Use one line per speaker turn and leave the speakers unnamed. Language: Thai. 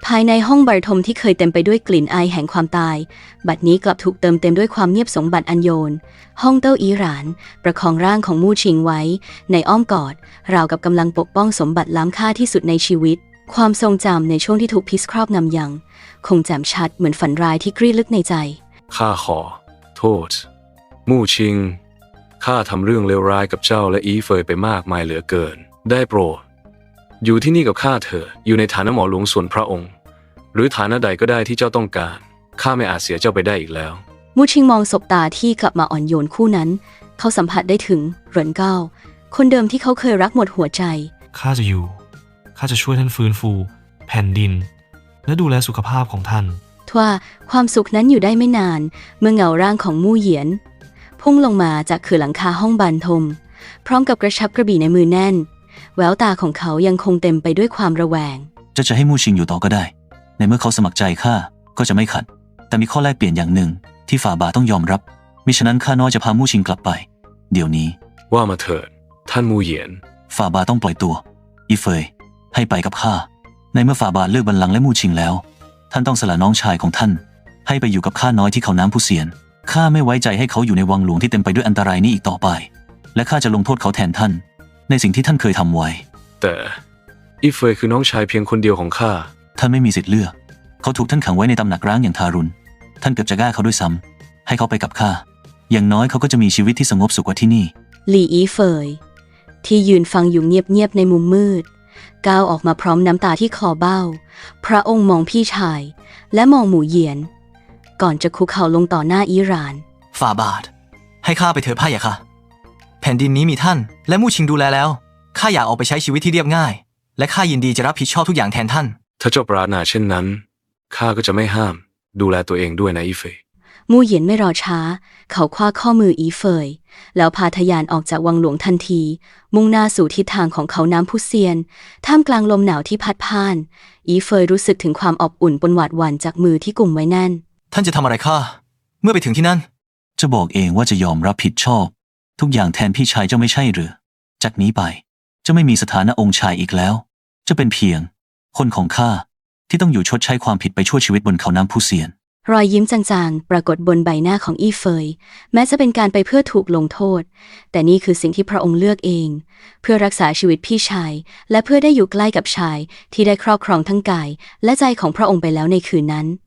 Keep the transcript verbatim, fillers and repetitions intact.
ภายในห้องบรรทมที่เคยเต็มไปด้วยกลิ่นอายแห่งความตายบัดนี้กลับถูกเติมเต็มด้วยความเงียบสงบอันโยนห้องเต้าอีหรานประคองร่างของมู่ชิงไว้ในอ้อมกอดราวกับกำลังปกป้องสมบัติล้ำค่าที่สุดในชีวิตความทรงจำในช่วงที่ถูกพิษครอบงำยังคงแจ่มชัดเหมือนฝันร้ายที่กรีดลึกในใจ
ข้าขอโทษมู่ชิงข้าทำเรื่องเลวร้ายกับเจ้าและอีเฟยไปมากมายเหลือเกินได้โปรดอยู่ที่นี่กับข้าเถอะอยู่ในฐานะหมอหลวงส่วนพระองค์หรือฐานะใดก็ได้ที่เจ้าต้องการข้าไม่อาจเสียเจ้าไปได้อีกแล้ว
มู่ชิงมองสบตาที่กลับมาอ่อนโยนคู่นั้นเขาสัมผัสได้ถึงเหรินเก้าคนเดิมที่เขาเคยรักหมดหัวใจ
ข้าจะอยู่ข้าจะช่วยท่านฟื้นฟูแผ่นดินและดูแลสุขภาพของท่าน
ทว่าความสุขนั้นอยู่ได้ไม่นานเมื่อเงาร่างของมู่เหยียนพุ่งลงมาจากคือหลังคาห้องบานทมพร้อมกับกระชับกระบี่ในมือแน่นแววตาของเขายังคงเต็มไปด้วยความระแวง
จะจะให้มู่ชิงอยู่ต่อก็ได้ในเมื่อเขาสมัครใจข้าก็จะไม่ขัดแต่มีข้อแลกเปลี่ยนอย่างหนึ่งที่ฝ่าบาทต้องยอมรับมิฉะนั้นข้าน้อยจะพามู่ชิงกลับไปเดี๋ยวนี้
ว่ามาเถิดท่านมู่เหยียน
ฝ่าบาทต้องปล่อยตัวอีเฟยให้ไปกับข้าในเมื่อฝ่าบาทเลือกบัลลังก์และมู่ชิงแล้วท่านต้องสละน้องชายของท่านให้ไปอยู่กับข้าน้อยที่เขาน้ำผู้เสียนข้าไม่ไว้ใจให้เขาอยู่ในวังหลวงที่เต็มไปด้วยอันตรายนี้อีกต่อไปและข้าจะลงโทษเขาแทนท่านในสิ่งที่ท่านเคยทำไว้
แต่อีเฟยคือน้องชายเพียงคนเดียวของข้า
ท่านไม่มีสิทธิ์เลือกเขาถูกท่านขังไว้ในตำหนักร้างอย่างทารุณท่านเกือบจะฆ่าเขาด้วยซ้ำให้เขาไปกับข้าอย่างน้อยเขาก็จะมีชีวิตที่สงบสุขกว่าที่นี่
หลี่อีเฟยที่ยืนฟังอยู่เงียบๆในมุมมืดก้าวออกมาพร้อมน้ำตาที่คอเบ้าพระองค์มองพี่ชายและมองหมู่เหยียนก่อนจะคุกเข่าลงต่อหน้าอีหร่าน
ฝ่าบาทให้ข้าไปเถิดพ่ายะค่ะแผ่นดินนี้มีท่านและมู่ชิงดูแลแล้วข้าอยากออกไปใช้ชีวิตที่เรียบง่ายและข้ายินดีจะรับผิดชอบทุกอย่างแทนท่าน
ถ้าเจ้าปรารถนาเช่นนั้นข้าก็จะไม่ห้ามดูแลตัวเองด้วยนะอีเฟย
มู่เหยียนไม่รอช้าเขาคว้าข้อมืออีเฟยแล้วพาทะยานออกจากวังหลวงทันทีมุ่งหน้าสู่ทิศทางของเขาน้ำพุเซียนท่ามกลางลมหนาวที่พัดผ่านอีเฟยรู้สึกถึงความอบอุ่นปนหวาดหวั่นจากมือที่กุมไว้แน่น
ท่านจะทำอะไรข้าเมื่อไปถึงที่นั่น
จะบอกเองว่าจะยอมรับผิดชอบทุกอย่างแทนพี่ชายเจ้าไม่ใช่หรือจากนี้ไปจะไม่มีสถานะองค์ชายอีกแล้วจะเป็นเพียงคนของข้าที่ต้องอยู่ชดใช้ความผิดไปชั่วชีวิตบนเขาน้ำพุเซียน
รอยยิ้มจางๆปรากฏบนใบหน้าของอีเฟยแม้จะเป็นการไปเพื่อถูกลงโทษแต่นี่คือสิ่งที่พระองค์เลือกเองเพื่อรักษาชีวิตพี่ชายและเพื่อได้อยู่ใกล้กับชายที่ได้ครอบครองทั้งกายและใจของพระองค์ไปแล้วในคืนนั้น